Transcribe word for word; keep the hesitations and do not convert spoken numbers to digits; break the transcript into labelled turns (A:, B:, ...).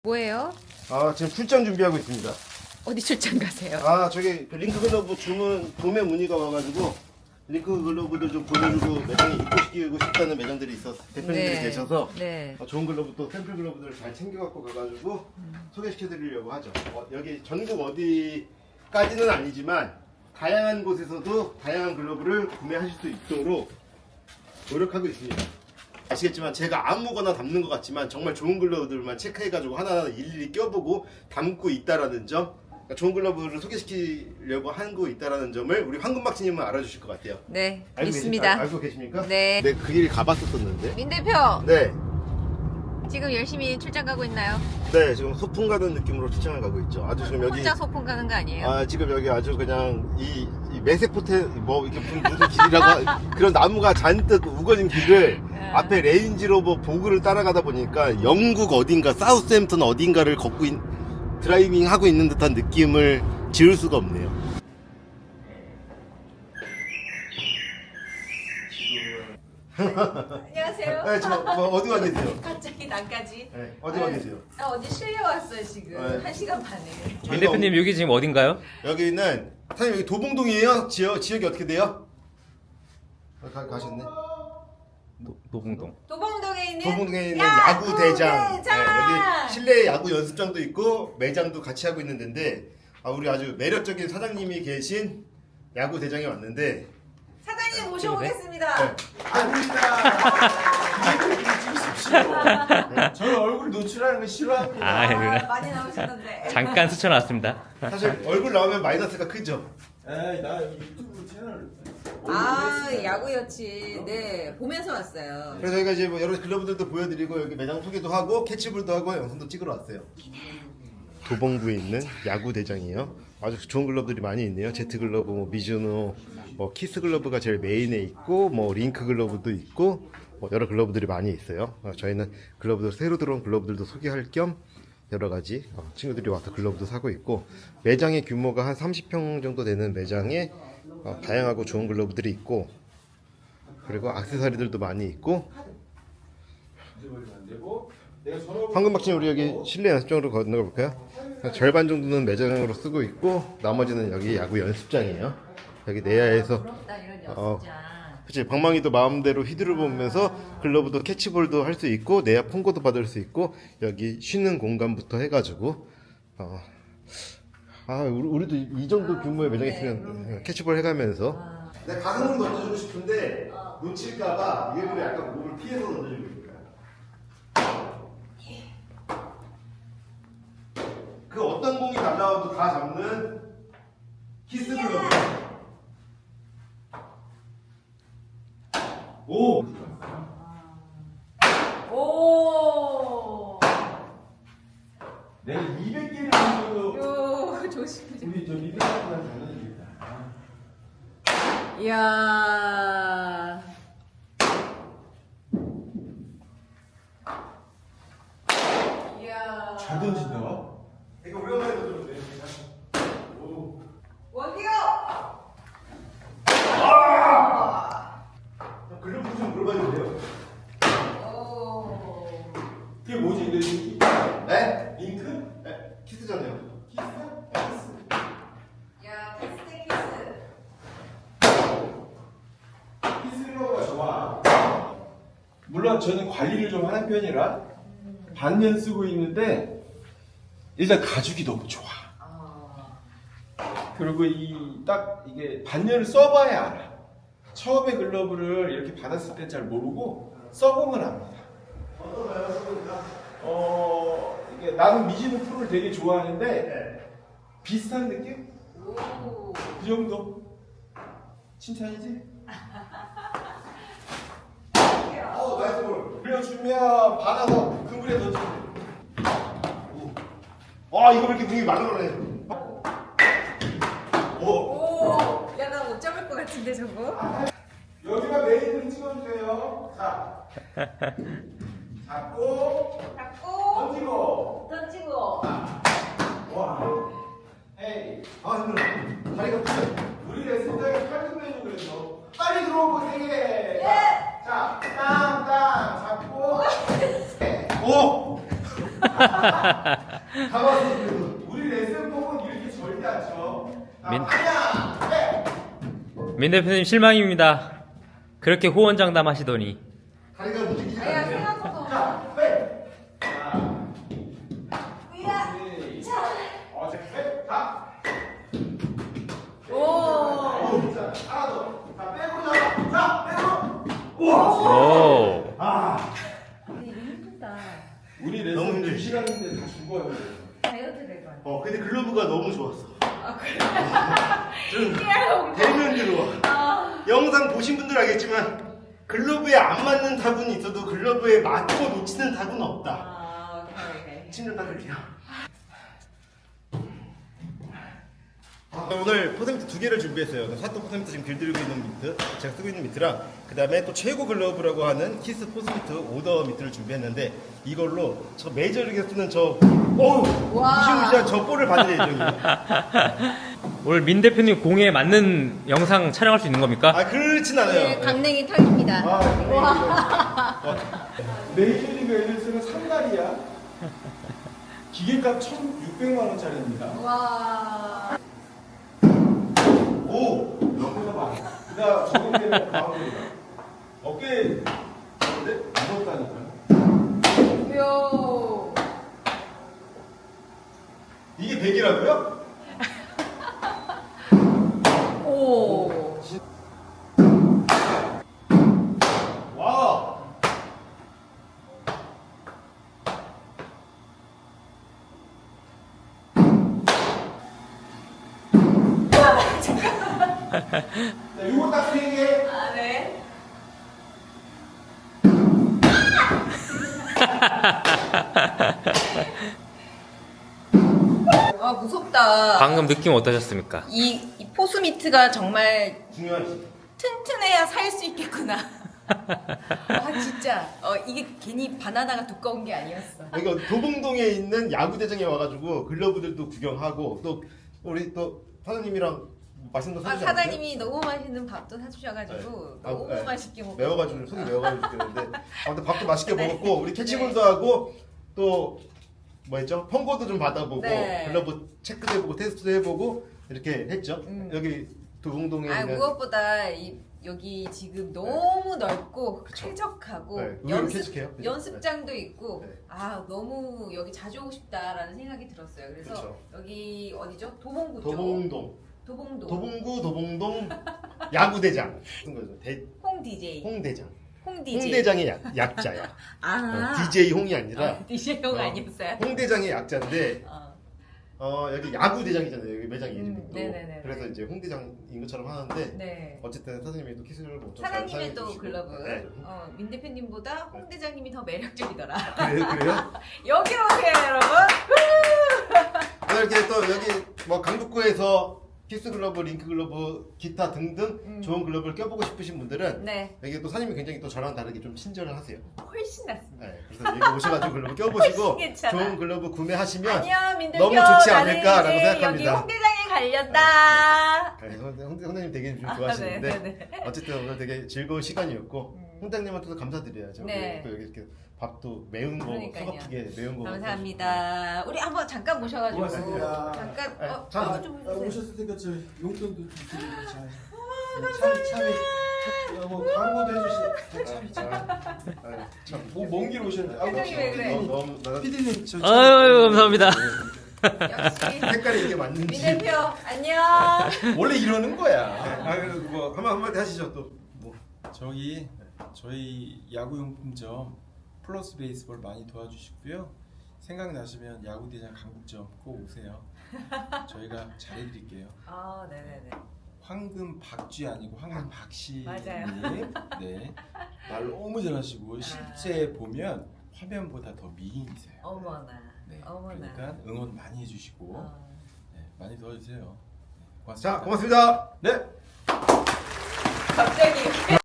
A: 뭐예요?
B: 아 지금 출장 준비하고 있습니다.
A: 어디 출장 가세요?
B: 아 저기 그 링크 글러브 주문 도매 문의가 와가지고 링크 글러브를 좀 보여주고 매장에 입고시키고 싶다는 매장들이 있어 대표님들이
A: 네.
B: 계셔서
A: 네.
B: 어, 좋은 글러브 또 샘플 글러브들을 잘 챙겨갖고 가가지고
A: 음.
B: 소개시켜드리려고 하죠. 어, 여기 전국 어디까지는 아니지만 다양한 곳에서도 다양한 글러브를 구매하실 수 있도록 노력하고 있습니다. 아시겠지만 제가 아무거나 담는 것 같지만 정말 좋은 글러브들만 체크해가지고 하나하나 일일이 껴보고 담고 있다라는 점, 그러니까 좋은 글러브를 소개시키려고 하고 있다라는 점을 우리 황금박치님은 알아주실 것 같아요.
A: 네,
B: 알고
A: 믿습니다.
B: 계십, 아, 알고 계십니까?
A: 네.
B: 네, 그 길 가봤었었는데.
A: 민 대표,
B: 네,
A: 지금 열심히 출장 가고 있나요?
B: 네 지금 소풍 가는 느낌으로 출장을 가고 있죠. 아주 지금 여기
A: 혼자 소풍 가는 거 아니에요?
B: 아 지금 여기 아주 그냥 이, 이 매세포테 뭐 이렇게 분- 무슨 길이라고 하- 그런 나무가 잔뜩 우거진 길을
A: 네.
B: 앞에 레인지로버 보그를 따라가다 보니까 영국 어딘가 사우스햄튼 어딘가를 걷고 있, 드라이빙 하고 있는 듯한 느낌을 지울 수가 없네요.
A: 안녕하세요.
B: 네, 저 뭐, 어디 와 계세요?
A: 갑자기 나까지.
B: 네, 어디 와 계세요?
A: 아, 어디 실려 왔어요 지금.
B: 네.
A: 한 시간 반에.
C: 민 대표님 여기 지금 어딘가요?
B: 여기는 사장님 여기 도봉동이에요? 지역 지역이 어떻게 돼요? 아, 가, 가셨네.
C: 노, 노봉동.
A: 도봉동에 있는
B: 도봉동에 있는
A: 야구
B: 야구 대장.
A: 대장!
B: 네, 여기 실내 야구 연습장도 있고 매장도 같이 하고 있는 데인데 아, 우리 아주 매력적인 사장님이 계신 야구 대장에 왔는데
A: 사장님 모셔보겠습니다.
B: 네.
D: 아닙니다. 저는 얼굴 노출하는 거 싫어합니다.
C: 아,
A: 아,
C: 그래.
A: 많이 나오셨는데.
C: 잠깐 스쳐 나왔습니다.
B: 사실 얼굴 나오면 마이너스가 크죠.
D: 에이, 나 유튜브 채널.
A: 아, 야구 여친. 네, 보면서 왔어요.
B: 그래서 저희가 이제 뭐 여러 글러브들도 보여드리고 여기 매장 소개도 하고 캐치볼도 하고 영상도 찍으러 왔어요. 도봉구에 있는 야구 대장이에요. 아주 좋은 글러브들이 많이 있네요. 제트 글러브, 뭐 미즈노, 뭐 키스 글러브가 제일 메인에 있고, 뭐 링크 글러브도 있고, 뭐 여러 글러브들이 많이 있어요. 어, 저희는 글러브들 새로 들어온 글러브들도 소개할 겸 여러 가지 어, 친구들이 와서 글러브도 사고 있고, 매장의 규모가 한 삼십 평 정도 되는 매장에 어, 다양하고 좋은 글러브들이 있고, 그리고 액세서리들도 많이 있고. 황금박치는 우리 여기 실내 연습장으로 건너가 볼까요? 절반 정도는 매장으로 쓰고 있고 나머지는 여기 야구 연습장이에요. 여기 내야에서
A: 부럽다 이런
B: 어,
A: 여자.
B: 그치 방망이도 마음대로 휘두르 보면서 글러브도 캐치볼도 할 수 있고 내야 폰고도 받을 수 있고 여기 쉬는 공간부터 해가지고 어, 아 우리, 우리도 이 정도 규모의 매장 있으면 캐치볼 해가면서 내 가슴으로 던져주고 싶은데 놓칠까봐 일부러 약간 몸을 피해서 던져주고 있어요. 그 어떤 공이 날라와도 다 잡는 키스 글러브. 오!
A: 오.
D: 내가 이백 개를 정도
A: 요 조심.
D: 우리 저 미드라이브랑 장난입니다.
A: 이야. 이야.
D: 잘 던진다.
B: 이거 오랜만에 던져보세요. 오.
A: 원디오.
B: 글러브 좀 물어봐도 돼요?
A: 오.
D: 그게 뭐지? 내 링크?
B: 네?
D: 링크?
B: 네? 키스잖아요.
D: 키스?
A: 야, 키스 키스.
D: 키스 글러브가 좋아. 물론 저는 관리를 좀 하는 편이라 반년 쓰고 있는데 일단 가죽이 너무 좋아.
A: 아.
D: 그리고 이 딱 이게 반년을 써봐야 알아. 처음에 글러브를 이렇게 받았을 땐 잘 모르고 써보면 압니다. 어 이게 나는 미즈노 프로를 되게 좋아하는데 비슷한 느낌?
A: 오.
D: 그 정도? 칭찬이지?
B: 어, 나이스 볼.
D: 빌려주면 받아서 그물에 던지면 돼.
B: 아, 이거 왜 이렇게 되게 많은 거네. 오.
A: 오. 야, 나 못 잡을 것 같은데 저거.
D: 여기가 메인을 찍어주세요. 자, 잡고
A: 잡고
D: 던지고.
A: 던지고.
D: 와, 헤이.
B: 아, 힘들어. 다리가 부셔.
D: 우리 레슨장에 팔뚝 매주 그래서 빨리 들어오고 세 개.
A: 예.
D: 자, 땅, 땅 잡고.
B: 오! 다 왔어 그래도.
D: 우리 레슨법은 이렇게 절대 안 쳐.
C: 민-
D: 아니야. 네.
C: 민 대표님 실망입니다. 그렇게 호언장담 하시더니.
B: 다리가 움직이지
A: 아야
B: 않네.
A: 생각보다.
D: 자, 회. 자,
A: 위야.
D: 오케이.
A: 자.
D: 어, 자, 회. 가.
A: 오.
D: 자, 하나 더. 자, 백으로 잡아. 자, 백으로. 우와.
C: 오.
D: 아.
A: 근데 이거 힘들다.
D: 우리
B: 너무
D: 레슨
B: 힘들지.
D: 두 시간인데 다 죽어요.
A: 다이어트 될 거 아니야.
B: 어 근데 글러브가 너무 좋았어.
A: 아 그래.
B: 좀
A: 피하려고.
B: 대면 들어와.
A: 아.
B: 영상 보신 분들 알겠지만 글러브에 안 맞는 타분이 있어도 글러브에 맞고 놓치는 타분은 없다.
A: 아 오케이.
B: 침 좀 닦을게요. 오늘 포센트 두 개를 준비했어요. 사또 포센트 지금 길들이고 있는 미트, 제가 쓰고 있는 미트랑 그 다음에 또 최고 글러브라고 하는 키스 포스미트 오더 미트를 준비했는데 이걸로 저 메이저리그에서 쓰는 저 어우
A: 와.
B: 무시무시한 저 볼을 받을 예정이에요.
C: 오늘 민 대표님 공에 맞는 영상 촬영할 수 있는 겁니까?
B: 아 그렇진 않아요.
A: 네, 강냉이 털입니다.
B: 아,
D: 메이저리그 엘리스는 상달이야. 기계값 천육백만 원짜리입니다.
A: 와.
B: 오!
D: 옆에서 봐. 그다음 적응되는 가운데가 어깨 근데 무섭다니까요.
A: 요.
B: 이게 백이라고요?
A: 오.
B: 와!
D: 자, 요거 딱 세 개.
A: 아 네. 아 무섭다.
C: 방금 느낌 어떠셨습니까?
A: 이, 이 포스미트가 정말
B: 중요하지.
A: 튼튼해야 살 수 있겠구나. 아 진짜 어 이게 괜히 바나나가 두꺼운 게 아니었어.
B: 그러니까 도봉동에 있는 야구대장에 와가지고 글러브들도 구경하고 또 우리 또 사장님이랑 맛있는 거
A: 아
B: 사주지 않았어요?
A: 사장님이 너무 맛있는 밥도 사주셔가지고
B: 네. 아,
A: 너무
B: 네.
A: 맛있게 먹고
B: 매워가지고 속이 매워가지고 그랬는데 아무튼 밥도 맛있게
A: 네.
B: 먹었고 우리 캐치볼도 하고 또 뭐였죠? 펑고도 좀 받아보고
A: 네.
B: 글러브 체크도 해보고 테스트도 해보고 이렇게 했죠.
A: 음.
B: 여기 도봉동에
A: 아
B: 있는
A: 무엇보다 이, 여기 지금 너무 넓고
B: 그쵸.
A: 쾌적하고
B: 네, 의외로 쾌적해요. 그죠?
A: 연습장도 있고
B: 네.
A: 아 너무 여기 자주 오고 싶다라는 생각이 들었어요. 그래서
B: 그쵸.
A: 여기 어디죠? 도봉구 쪽.
B: 도봉동,
A: 도봉동.
B: 도봉구 도봉동 야구대장 쓴 거죠. 대,
A: 홍 디제이.
B: 홍대장.
A: 홍 디제이.
B: 홍대장의 약, 약자야.
A: 아.
B: 어, 디제이 홍이 아니라
A: 아, 디제이 형
B: 어,
A: 아니었어요?
B: 홍대장의 약자인데
A: 어.
B: 어, 여기 야구대장이잖아요. 여기 매장 이름이
A: 음,
B: 또.
A: 네네네.
B: 그래서 이제 홍대장인 것처럼 하는데
A: 네.
B: 어쨌든 사장님이 또 키스를 못
A: 사장님의 또 글러브.
B: 네.
A: 어, 민 대표님보다 홍 대장님이 더 매력적이더라.
B: 그래요? 그래요?
A: 여기 오세요, 여러분.
B: 오늘 이렇게 또 여기 뭐 강북구에서 키스 글러브, 링크 글러브, 기타 등등
A: 음.
B: 좋은 글러브를 껴보고 싶으신 분들은
A: 네,
B: 여기 또 사장님이 굉장히 또 저랑 다르게 좀 친절을 하세요.
A: 훨씬 낫습니다.
B: 네, 그래서 여기 오셔가지고 글러브 껴보시고
A: 훨씬 괜찮아.
B: 좋은 글러브 구매하시면
A: 안녕, 민 대표.
B: 너무 좋지
A: 나는
B: 않을까라고
A: 이제
B: 생각합니다.
A: 여기 홍 대장에 갈렸다.
B: 네, 홍대, 홍대, 홍대님 되게 좀
A: 아,
B: 좋아하시는데
A: 네, 네, 네.
B: 어쨌든 오늘 되게 즐거운 시간이었고
A: 음.
B: 홍대님한테도 감사드려야죠.
A: 네.
B: 또 여기 이렇게 밥도 매운 거
A: 그러니까요.
B: 서갑게 매운 거
A: 감사합니다. 우리 한번 잠깐 모셔가지고
D: 고맙습니다.
A: 잠깐
B: 네,
A: 어,
B: 자,
A: 어, 좀
D: 아,
A: 해주세요.
D: 오셨을 테니까 저 용돈도 좀 드리고 잘. 참 참이 뭐 광고도 해주시. 참이 참.
B: 아유, 참.
D: 뭐먼 길 오셨는데. 아,
A: 표정이 왜 그래?
B: 너무, 너무 나
D: 피디님 저.
C: 아유 감사합니다.
A: 역시
B: 색깔이 이게
A: 민
B: 맞는지.
A: 대표 안녕.
D: 원래 이러는 거야.
B: 아, 뭐 한마 한마디 하시죠 또. 뭐.
E: 저기 저희 야구용품점 플러스 베이스볼 많이 도와주시고요. 생각나시면 야구대장 강북점 꼭 오세요. 저희가 잘해드릴게요.
A: 아, 네네네.
E: 황금 박쥐 아니고 황금 박씨님.
A: 맞아요.
E: 네. 말 너무 잘하시고 실제 보면 화면보다 더 미인이세요.
A: 어머나.
E: 네.
A: 어머나.
E: 그러니까 응원 많이 해주시고
A: 어.
E: 네, 많이 도와주세요. 네, 고맙습니다.
B: 자, 고맙습니다.
D: 네.
A: 갑자기